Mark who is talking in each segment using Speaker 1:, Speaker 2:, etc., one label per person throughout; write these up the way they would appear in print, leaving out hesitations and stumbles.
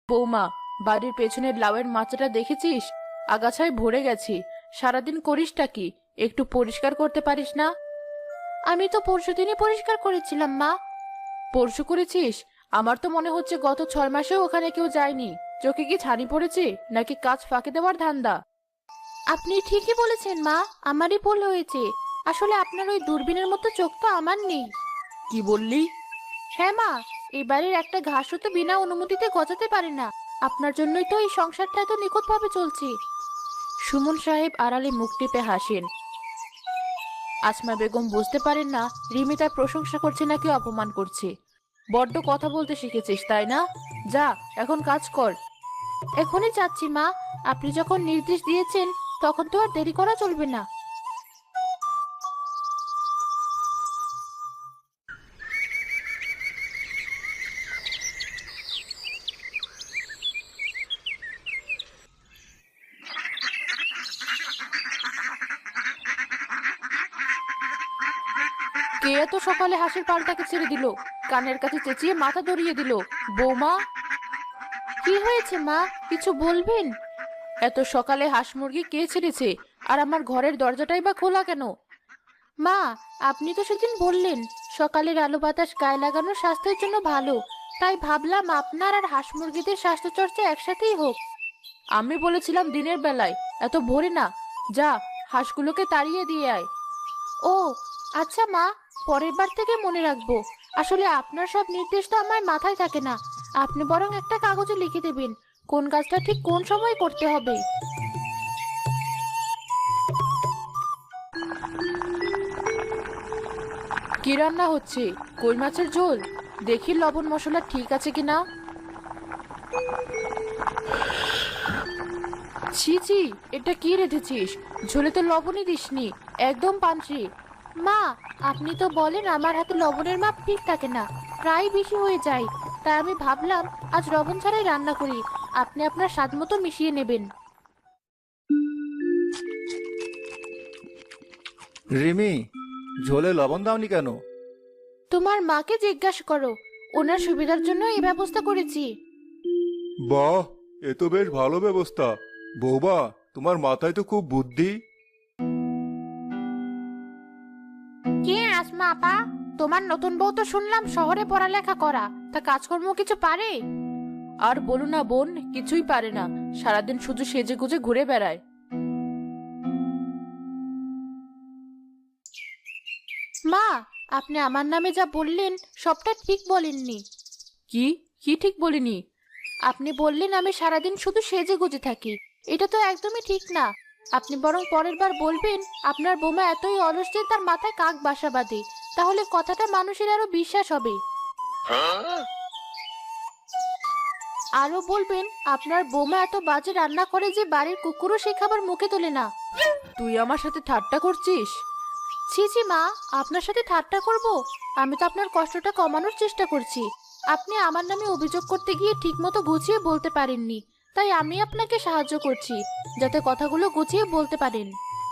Speaker 1: বৌমা, বাড়ির পেছনের লাউয়ের মাচাটা দেখেছিস? আগাছায় ভরে গেছে। সারাদিন করিসটা কি? একটু পরিষ্কার করতে পারিস না?
Speaker 2: আমি তো পরশুদিনই পরিষ্কার করেছিলাম মা।
Speaker 1: পরশু করেছিস? আমার তো মনে হচ্ছে গত 6 মাসেও ওখানে কেউ যায়নি। চোখে কি ছানি পড়েছে, নাকি কাজ ফাঁকি দেওয়ার ধান্দা?
Speaker 2: আপনি ঠিকই বলেছেন মা, আমারই ভুল হয়েছে। আসলে আপনার ওই দূরবীনের মতো চোখ তো আমার নেই।
Speaker 1: কি বললি?
Speaker 2: হ্যাঁ মা, এই বাড়ির একটা ঘাসও তো বিনা অনুমতিতে গজাতে পারে না। আপনার জন্যই তো এই সংসারটা এত নিখুঁতভাবে চলছে।
Speaker 1: সুমন সাহেব আড়ালে মুখ টিপে হাসেন। আসমা বেগম বুঝতে পারেন না রিমি তার প্রশংসা করছে নাকি অপমান করছে। বড্ড কথা বলতে শিখেছিস তাই না? যা, এখন কাজ কর।
Speaker 2: এখনই যাচ্ছি মা। আপনি যখন নির্দেশ দিয়েছেন তখন তো আর দেরি করা চলবে না।
Speaker 1: কে এত সকালে হাসির পালটাকে ছেড়ে দিল? কানের কাছে চেঁচিয়ে মাথা ধরিয়ে দিল। বৌমা!
Speaker 2: কি হয়েছে মা, কিছু বলবেন?
Speaker 1: এত সকালে হাঁস মুরগি কে ছেড়েছে? আর আমার ঘরের দরজাটাই বা খোলা কেন?
Speaker 2: মা, আপনি তো সেদিন বললেন সকালের আলো বাতাস গায়ে লাগানো স্বাস্থ্যের জন্য ভালো। তাই ভাবলাম আপনার আর হাঁস মুরগিদের স্বাস্থ্য চর্চা একসাথেই হোক।
Speaker 1: আমি বলেছিলাম দিনের বেলায়, এত ভোরে না। যা, হাঁসগুলোকে তাড়িয়ে দিয়ে আয়।
Speaker 2: ও আচ্ছা মা, পরের বার থেকে মনে রাখবো। আসলে আপনার সব নির্দেশ তো আমার মাথায় থাকে না। আপনি বরং একটা কাগজে লিখে দেবেন কোন কাজটা ঠিক কোন সময় করতে হবে।
Speaker 1: কি রান্না হচ্ছে? কই মাছের ঝোল? দেখি লবণ মশলা ঠিক আছে কিনা। ছি ছি, এটা কি রেঁধেছিস? ঝোলে তো লবণই দিসনি, একদম পানসি।
Speaker 2: মা, আপনি তো বলেন আমার হাতে লবণের মাপ ঠিক থাকে না, প্রায় বেশি হয়ে যায়। তাই আমি ভাবলাম আজ লবণ ছাড়াই রান্না করি। আপনি আপনার স্বাদ মতো মিশিয়ে নেবেন।
Speaker 3: রিমি, ঝোলে লবণ দাওনি কেন?
Speaker 2: তোমার মাকে জিজ্ঞাসা করো, ওনার সুবিধার জন্য এই ব্যবস্থা করেছি।
Speaker 3: বাহ, এ তো বেশ ভালো ব্যবস্থা। বৌমা, তোমার মাথায় তো খুব বুদ্ধি।
Speaker 2: কে আসমা আপা, তোমার নতুন বউ তো শুনলাম শহরে পড়ালেখা করা, তা কাজকর্ম কিছু পারে?
Speaker 1: আর বলো না বোন, কিছুই পারে না। সারাদিন শুধু সেজে গুজে ঘুরে বেড়ায়।
Speaker 2: মা, আপনি আমার নামে যা বললেন সবটা ঠিক বলেননি।
Speaker 1: কি? কি ঠিক বলিনি?
Speaker 2: আপনি বললেন আমি সারাদিন শুধু সেজে গুজে থাকি। এটা তো একদমই ঠিক না। আপনি বরং পরের বার বলবেন আপনার বোমা এতই অলস যে তার মাথায় কাক বাসা বাঁধে। তাহলে কথাটা মানুষের আরো বিশ্বাস হবে। আরো বলবেন আপনার বোমা এত বাজে রান্না করে যে বাড়ির কুকুরও সে খাবার মুখে তোলে না।
Speaker 1: তুই আমার সাথে ঠাট্টা করছিস?
Speaker 2: ছি ছি মা, আপনার সাথে ঠাট্টা করব? আমি তো আপনার কষ্টটা কমানোর চেষ্টা করছি। আপনি আমার নামে অভিযোগ করতে গিয়ে ঠিকমতো গুছিয়ে বলতে পারেননি, তাই আমি আপনাকে সাহায্য করছি যাতে কথাগুলো গুছিয়ে বলতে পারেন।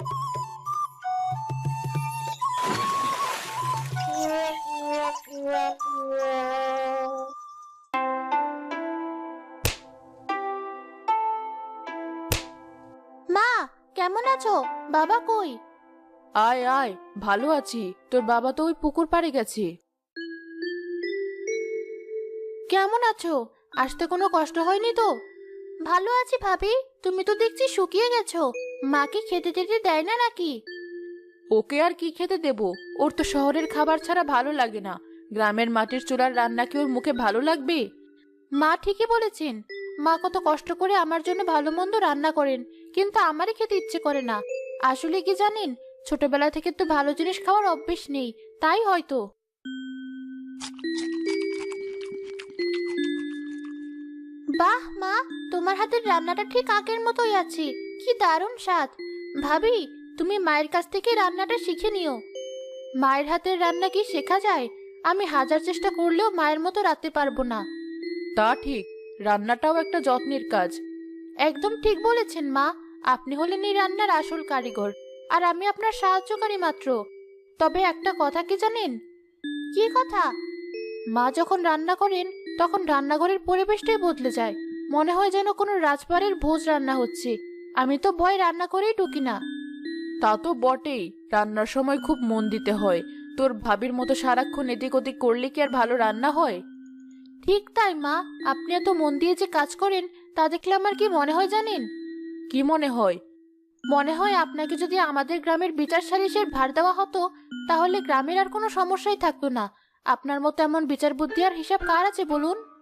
Speaker 2: মা, কেমন আছো? বাবা কই?
Speaker 1: আয় আয়, ভালো আছি। তোর বাবা তো ওই পুকুর পাড়ে গেছে।
Speaker 2: কেমন আছো? আসতে কোনো কষ্ট হয়নি তো? ভালো আছি ভাবি। তুমি তো দেখছি শুকিয়ে গেছো। মাকে খেতে টেতে দেয় না নাকি?
Speaker 1: ওকে আর কি খেতে দেব? ওর তো শহরের খাবার ছাড়া ভালো লাগে না। গ্রামের মাটির চুলার রান্না কি ওর মুখে ভালো লাগবে?
Speaker 2: মা ঠিকই বলেছেন। মা কত কষ্ট করে আমার জন্য ভালো মন্দ রান্না করেন, কিন্তু আমারই খেতে ইচ্ছে করে না। আসলে কি জানেন, ছোটবেলা থেকে তো ভালো জিনিস খাওয়ার অভ্যেস নেই, তাই হয়তো। বাহ মা, তোমার হাতের রান্নাটা ঠিক আগের মতোই আছে। কি দারুণ স্বাদ। ভাবি, তুমি মায়ের কাছ থেকে রান্নাটা শিখে নিও। মায়ের হাতের রান্না কি শেখা যায়? আমি হাজার চেষ্টা করলেও মায়ের মতো রাঁধতে পারবো না।
Speaker 1: তা ঠিক, রান্নাটাও একটা যত্নের কাজ।
Speaker 2: একদম ঠিক বলেছেন মা। আপনি হলেন এই রান্নার আসল কারিগর, আর আমি আপনার সাহায্যকারী মাত্র। তবে একটা কথা কি জানেন? কি কথা? মা যখন রান্না করেন তখন রান্নাঘরের পরিবেশটাই বদলে যায়। মনে হয় যেন কোনো রাজবাড়ির ভোজ রান্না হচ্ছে। আমি তো ভয় রান্না করেই ঢুকি না।
Speaker 1: তা তো বটেই, রান্নার সময় খুব মন দিতে হয়। তোর ভাবির মতো সারাক্ষণ এদিক ওদিক করলে কি আর ভালো রান্না হয়?
Speaker 2: ঠিক তাই মা, আপনি এত মন দিয়ে যে কাজ করেন তা দেখলে আমার কি মনে হয় জানেন?
Speaker 1: কি মনে হয়?
Speaker 2: মনে হয় আপনাকে যদি আমাদের গ্রামের বিচার সালিসের ভার দেওয়া হতো, তাহলে গ্রামের আর কোনো সমস্যাই থাকতো না। আপনার মতো এমন বিচার বুদ্ধি আর হিসাব কার আছে বলুন?